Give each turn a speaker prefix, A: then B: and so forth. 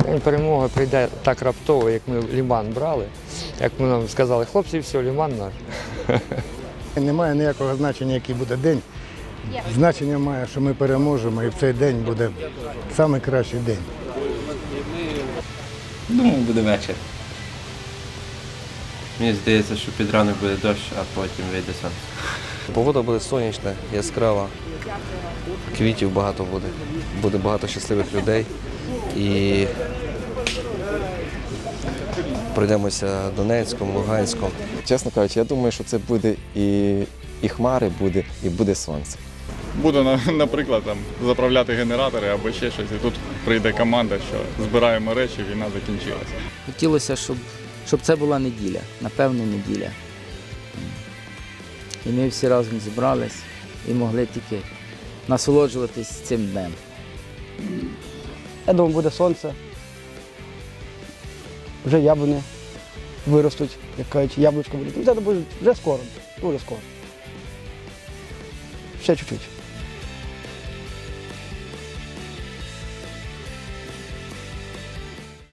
A: День перемоги прийде так раптово, як ми Лиман брали, як ми нам сказали, хлопці, все, Лиман наш.
B: Немає ніякого значення, який буде день. Значення має, що ми переможемо, і в цей день буде найкращий день.
C: Думаю, буде вечір. Мені здається, що під ранок буде дощ, а потім вийде сонце.
D: Погода буде сонячна, яскрава, квітів багато буде, буде багато щасливих людей і пройдемося Донецьком, Луганськом.
E: Чесно кажучи, я думаю, що це буде і хмари буде, і буде сонце.
F: Буду, наприклад, заправляти генератори або ще щось, і тут прийде команда, що збираємо речі, війна закінчилася.
G: Хотілося, щоб це була неділя, напевно, неділя. І ми всі разом зібрались і могли тільки насолоджуватись цим днем.
H: Я думаю, буде сонце. Вже яблуні виростуть, як кажуть, яблучко буде. Це буде вже скоро, дуже скоро. Ще чуть-чуть.